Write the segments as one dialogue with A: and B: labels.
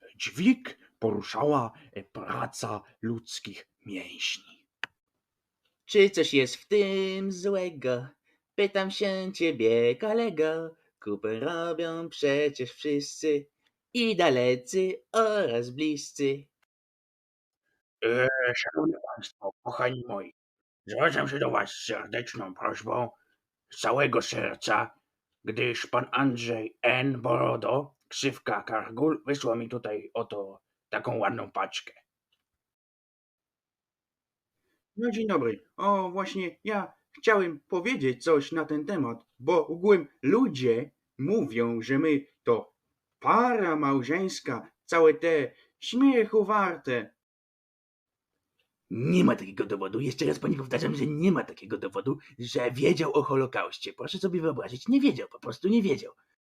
A: dźwig poruszała praca ludzkich mięśni.
B: Czy coś jest w tym złego? Pytam się ciebie, kolego. Kupę robią przecież wszyscy, i dalecy oraz bliscy.
A: Szanowni Państwo, kochani moi, zwracam się do Was z serdeczną prośbą, z całego serca, gdyż pan Andrzej N. Borodo, ksywka Kargul, wysłał mi tutaj oto taką ładną paczkę.
C: No dzień dobry. O, właśnie ja chciałem powiedzieć coś na ten temat, bo ogółem ludzie mówią, że my to para małżeńska, całe te śmiechu warte.
B: Nie ma takiego dowodu. Jeszcze raz pani powtarzam, że nie ma takiego dowodu, że wiedział o Holokauście. Proszę sobie wyobrazić, nie wiedział, po prostu nie wiedział.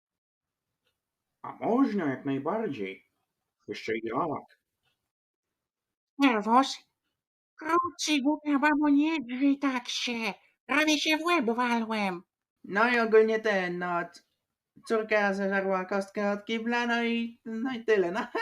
C: A można jak najbardziej. Jeszcze jak.
D: Nerwos? Krótcy, głupia babo, nie drzyj tak się. Prawie się w łeb walłem.
C: No i ogólnie córka zeżarła kostkę od kibla, no i tyle, no.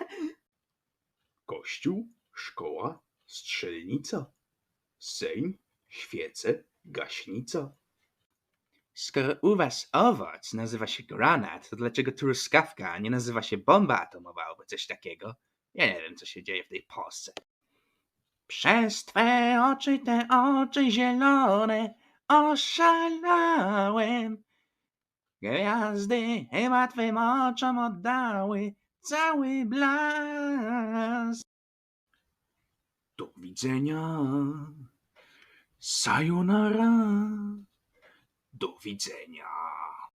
A: Kościół, szkoła, strzelnica, sejm, świece, gaśnica.
B: Skoro u was owoc nazywa się granat, to dlaczego truskawka nie nazywa się bomba atomowa albo coś takiego? Ja nie wiem, co się dzieje w tej Polsce. Przez te oczy zielone, oszalałem. Gwiazdy chyba twym oczom oddały cały blask.
A: Do widzenia. Sayonara. Do widzenia.